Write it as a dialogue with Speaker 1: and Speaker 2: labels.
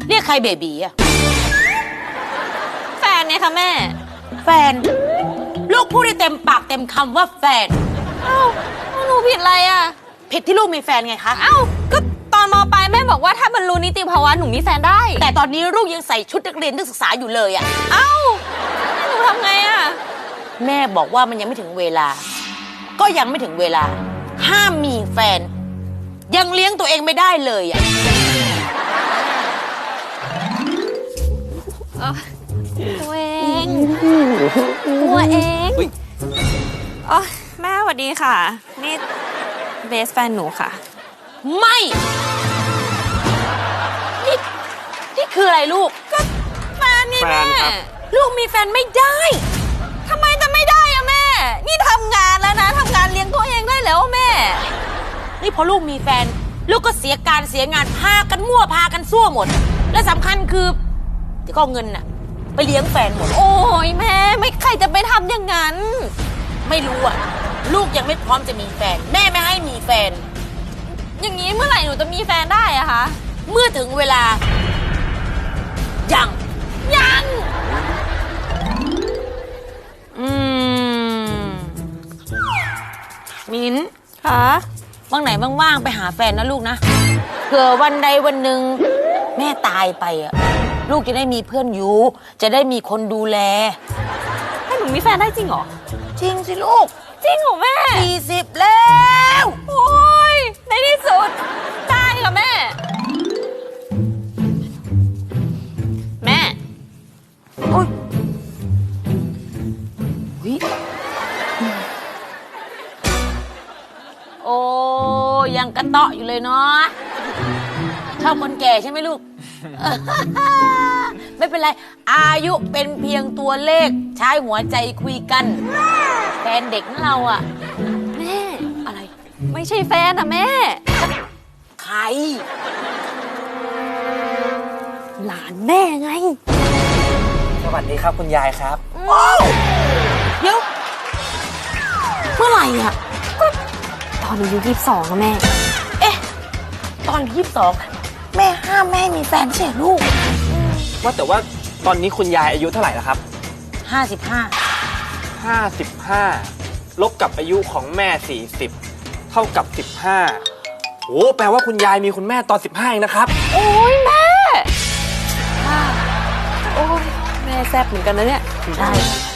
Speaker 1: เรียกใครเบบีอะ
Speaker 2: แฟนเนี่ยค่ะแม่
Speaker 1: แฟนลูกพูดได้เต็มปากเต็มคำว่าแฟน
Speaker 2: เอ้าหนูผิดอะไรอ่ะ
Speaker 1: ผิดที่ลูกมีแฟนไงคะ
Speaker 2: เอ้าก็ตอนม.ปลายแม่บอกว่าถ้าบรรลุนิติภาวะหนูมีแฟนได้
Speaker 1: แต่ตอนนี้ลูกยังใส่ชุดนักเรียนนักศึกษาอยู่เลยอะ
Speaker 2: เอ้าหนูทำไงอ่ะ
Speaker 1: แม่บอกว่ามันยังไม่ถึงเวลาก็ยังไม่ถึงเวลาห้ามมีแฟนยังเลี้ยงตัวเองไม่ได้เลยอะ
Speaker 2: ตัวเองอ๋อแม่สวัสดีค่ะนี่เบสแฟนหนูค่ะ
Speaker 1: ไม่นี่คืออะไรลูก
Speaker 2: ก็แฟนนี่แม่
Speaker 1: ลูกมีแฟนไม่ได้
Speaker 2: ทำไมจะไม่ได้อะแม่นี่ทำงานแล้วนะทำงานเลี้ยงตัวเองได้แล้วแม่
Speaker 1: นี่พอลูกมีแฟนลูกก็เสียการเสียงานพากันมั่วพากันซั่วหมดและสำคัญคือที่ก็เงินน่ะไปเลี้ยงแฟนหมด
Speaker 2: โอ้ยแม่ไม่ใครจะไปทำอย่างนั้น
Speaker 1: ไม่รู้อ่ะลูกยังไม่พร้อมจะมีแฟนแม่ไม่ให้มีแฟน
Speaker 2: อย่างนี้เมื่อไหร่หนูจะมีแฟนได้อะคะ
Speaker 1: เมื่อถึงเวลายังมิ้น
Speaker 2: คะ
Speaker 1: วันไหนว่างๆไปหาแฟนนะลูกนะเผื่อวันใดวันหนึ่งแม่ตายไปอ่ะลูกจะได้มีเพื่อนอยู่จะได้มีคนดูแล
Speaker 2: ให้หนูมีแฟนได้จริงเหรอ
Speaker 1: จริงสิลูก
Speaker 2: จริงเหรอแม่
Speaker 1: 40แล้ว
Speaker 2: โอ้ยในที่สุดได้ค่ะแม่
Speaker 1: โอ้ยโอ้ยังกระเตาะอยู่เลยเนาะชอบคนแก่ใช่ไหมลูก ไม่เป็นไรอายุเป็นเพียงตัวเลขใช้หัวใจคุยกันแฟนเด็กนะเราอะ
Speaker 2: แม่
Speaker 1: อะไร
Speaker 2: ไม่ใช่แฟนอะแม่
Speaker 1: ใคร
Speaker 2: หลานแม่ไง
Speaker 3: สวัสดีครับคุณยายครับ
Speaker 1: เดี๋ยวเมื่อไหร่อ่ะ
Speaker 2: ก็ตอนอายุ22นะแม่
Speaker 1: เอ๊ะตอน22แม่ห้ามแม่มีแฟนใช่ลูก
Speaker 3: ว่าแต่ว่าตอนนี้คุณยายอายุเท่าไหร่แล้วครับ55ลบกับอายุของแม่40เท่ากับ15โอ้แปลว่าคุณยายมีคุณแม่ตอน15เองนะครับ
Speaker 2: โอ้ยแม่โอ้ยแม่แซ่บเหมือนกันนะเนี่ย
Speaker 1: ใช่